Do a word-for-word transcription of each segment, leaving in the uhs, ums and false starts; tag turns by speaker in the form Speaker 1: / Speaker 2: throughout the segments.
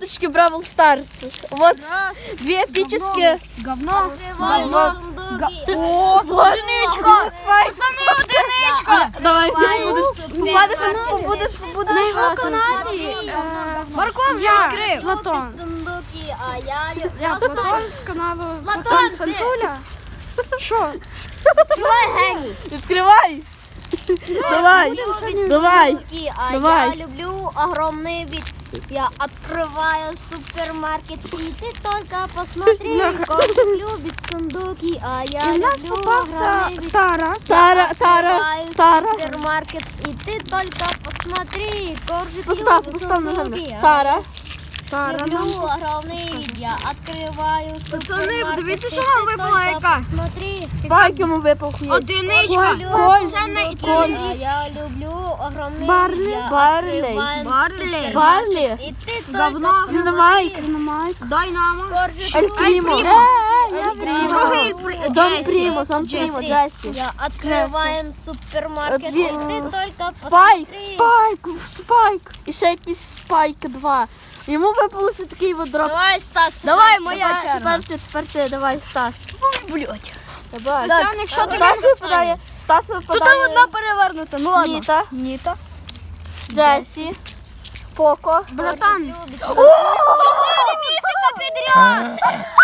Speaker 1: карточки Бравл Старс. Вот две эпические.
Speaker 2: Говно.
Speaker 1: Говно.
Speaker 2: О, одиничка. Пацани, одиничка.
Speaker 1: Давай, попадеш, побудеш, побудеш.
Speaker 2: На його каналі. Морков я відкрив. Платон.
Speaker 3: Сундуки, а я люблю.
Speaker 2: Я Платон з каналу
Speaker 3: Платон,
Speaker 2: Платон
Speaker 3: ти.
Speaker 2: Сантуля. Що?
Speaker 3: Відкривай, геній.
Speaker 1: Відкривай. Давай, давай.
Speaker 3: Сундуки, а
Speaker 1: давай.
Speaker 3: я люблю огромный вид. Я открываю супермаркет, и ты только посмотри, кошек любит сундуки, а я
Speaker 2: І в нас
Speaker 3: люблю
Speaker 2: попався
Speaker 3: огромный вид.
Speaker 2: Тара.
Speaker 1: Тара, Тара,
Speaker 3: Открываю
Speaker 1: Тара.
Speaker 3: супермаркет, и ты только посмотри, кошек
Speaker 1: Постав,
Speaker 3: любит
Speaker 1: постав
Speaker 3: сундуки,
Speaker 1: ногами.
Speaker 3: а
Speaker 1: Тара.
Speaker 2: Тара.
Speaker 3: люблю огромный вид. Я открываю супермаркет,
Speaker 2: подивіться,
Speaker 3: и
Speaker 2: що
Speaker 3: ты
Speaker 2: вам випала
Speaker 3: только
Speaker 2: яка.
Speaker 3: посмотри.
Speaker 1: Спайк йому випав хліб.
Speaker 2: Одиничка.
Speaker 1: Коль.
Speaker 2: Це не
Speaker 3: Коль. А я люблю огромный
Speaker 2: Барлі.
Speaker 3: вид. Я
Speaker 1: Барлі.
Speaker 3: открываю
Speaker 2: Барлі.
Speaker 3: супермаркет,
Speaker 1: Барлі.
Speaker 3: и ты
Speaker 2: Говно.
Speaker 3: только
Speaker 1: Динамайк.
Speaker 2: Динамайк. Дайнамо.
Speaker 3: Коржик
Speaker 1: Ель
Speaker 3: любит.
Speaker 1: Прімо.
Speaker 3: Я
Speaker 2: Другий
Speaker 3: люблю
Speaker 1: Дон
Speaker 3: Джесси.
Speaker 1: Прімо, Дон Прімо, Джесі.
Speaker 3: Я открываем супермаркет,
Speaker 1: Дві-
Speaker 3: и ты только
Speaker 1: Спайк,
Speaker 3: посмотри.
Speaker 1: Спайк, Спайк. І ще якийсь Спайк два. Йому випалося такий от дроп.
Speaker 3: Давай, Стас.
Speaker 2: Давай,
Speaker 3: давай.
Speaker 2: моя
Speaker 1: Тепер-
Speaker 2: черга.
Speaker 1: Тепер ти, тепер ти, давай, Стас.
Speaker 2: Блять.
Speaker 1: Давай.
Speaker 2: Стасяник, що тобі
Speaker 1: Стас
Speaker 2: достане?
Speaker 1: випадає, Стас
Speaker 2: Тут
Speaker 1: випадає.
Speaker 2: одна перевернута, ну ладно.
Speaker 1: Ніта,
Speaker 2: Ніта.
Speaker 1: Джесі, Поко.
Speaker 2: Братан.
Speaker 3: Любит.
Speaker 2: Чотири міфіка підряд.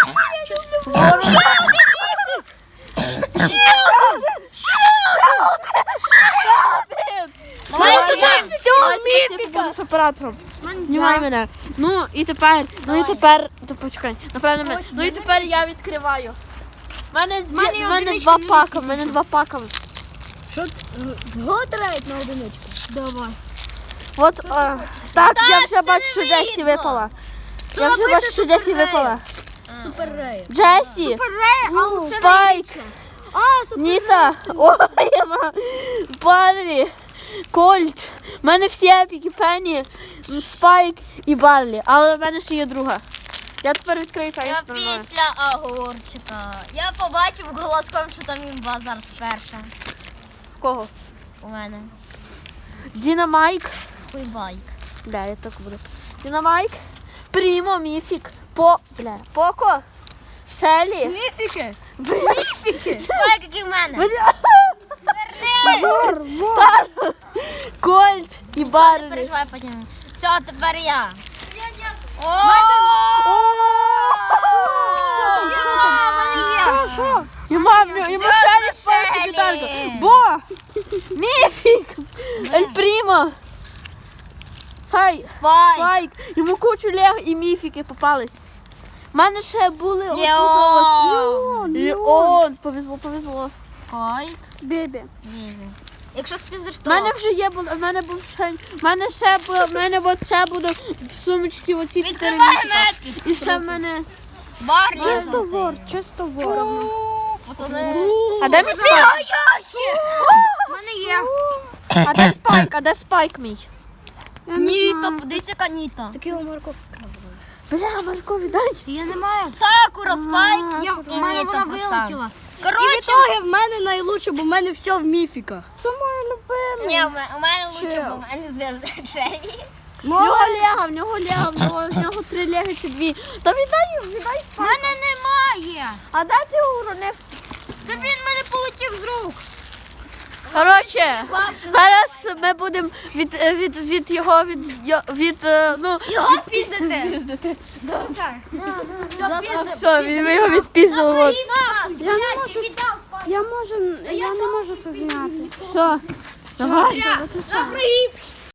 Speaker 1: Давай
Speaker 2: туди, все, міфіка.
Speaker 1: Будеш оператором. Знімай мене. Ну і тепер, ну і тепер, то почекай, напевно мене. Ну і тепер я відкриваю. У мене, ді-
Speaker 2: мене
Speaker 1: в мене
Speaker 2: одиничка
Speaker 1: два
Speaker 2: не
Speaker 1: пака, в мене два пака.
Speaker 2: Готрають на одиничку. Давай.
Speaker 1: От, е, так, я вже
Speaker 3: це
Speaker 1: бачу,
Speaker 3: не
Speaker 1: що Джесі
Speaker 3: видно.
Speaker 1: випала. Я вже
Speaker 2: напише
Speaker 1: бачу, що Джесі
Speaker 2: Супер
Speaker 1: випала.
Speaker 2: Супер Рея.
Speaker 1: Джесі,
Speaker 2: Рея, а
Speaker 1: Ну,
Speaker 2: це
Speaker 1: Спайк,
Speaker 2: А, супер.
Speaker 1: Ніта, ой, Барлі, Кольт. У мене всі епіки, Пенні, Спайк і Барлі. Але в мене ще є друга. Я тепер відкрию та
Speaker 3: Я
Speaker 1: я сприймаю.
Speaker 3: після огурчика. Я побачив голоском, що там імба зараз перша.
Speaker 1: Кого?
Speaker 3: У мене.
Speaker 1: Дінамайк.
Speaker 3: Хуйбайк.
Speaker 1: Бля, я так буду. Дінамайк. Прімо, Міфік. По... Бля, Поко. Шелі.
Speaker 2: Міфіки.
Speaker 1: Міфіки.
Speaker 3: Спайк, який в мене.
Speaker 1: Бля.
Speaker 2: Вор, вор.
Speaker 1: Тар. Кольт і
Speaker 3: Не
Speaker 1: Барлі.
Speaker 3: переживай потім. Все, тепер я. О!
Speaker 2: Що, що?
Speaker 1: Йому, йому Шелі впав
Speaker 3: Шелі.
Speaker 1: капітанка. Бо. Міфік. Ель Прімо. Цай.
Speaker 3: Спайк.
Speaker 1: Спайк. Йому кучу лего і міфіки попались. У мене ще були отут
Speaker 3: Леон.
Speaker 1: от. Леон. Повезло, повезло.
Speaker 3: Кольт.
Speaker 2: Бебі.
Speaker 3: Візі. Якщо спіздиш,
Speaker 1: У
Speaker 3: то...
Speaker 1: мене вже є, бу- в мене був ще, в мене ще, бу- в мене от ще буде в сумочці оці чотири
Speaker 3: Відкриваємо
Speaker 1: місяця.
Speaker 3: епік.
Speaker 1: І ще в мене...
Speaker 3: Барлі.
Speaker 2: Чисто вор, чисто вор.
Speaker 3: Пацани.
Speaker 1: А де мій спайк?
Speaker 2: У мене є.
Speaker 1: А де спайк? А де спайк мій?
Speaker 3: Ніта, подивіться, яка Ніта.
Speaker 2: Такий у Марко.
Speaker 1: Бля, Марко, віддай.
Speaker 2: Я не маю.
Speaker 3: Сакура, Спайк.
Speaker 2: Я,
Speaker 3: І
Speaker 2: в мене
Speaker 3: Ніта
Speaker 2: вона
Speaker 3: поставила.
Speaker 2: вилетіла. І
Speaker 3: Коротше,
Speaker 2: в ітогі в мене найлучше, бо в мене все в міфіках. Це моя любима.
Speaker 3: ні, в мене- у мене лучше, бо в мене зв'язка Шелі.
Speaker 1: В нього лего, в нього лего, в нього, в нього три лего чи дві. Та віддай, віддай
Speaker 2: В
Speaker 1: спайк.
Speaker 2: мене немає.
Speaker 1: А де ти уронив?
Speaker 2: Та він мене полетів з рук.
Speaker 1: Коротше, зараз ми будемо від, е, від, від його, від, йо- від, е, ну...
Speaker 3: Його піздите.
Speaker 1: Все, від- ми його відпіздили, от.
Speaker 2: Я не можу. Я можу, я не можу це зняти.
Speaker 1: Все, давай.
Speaker 3: Добрий.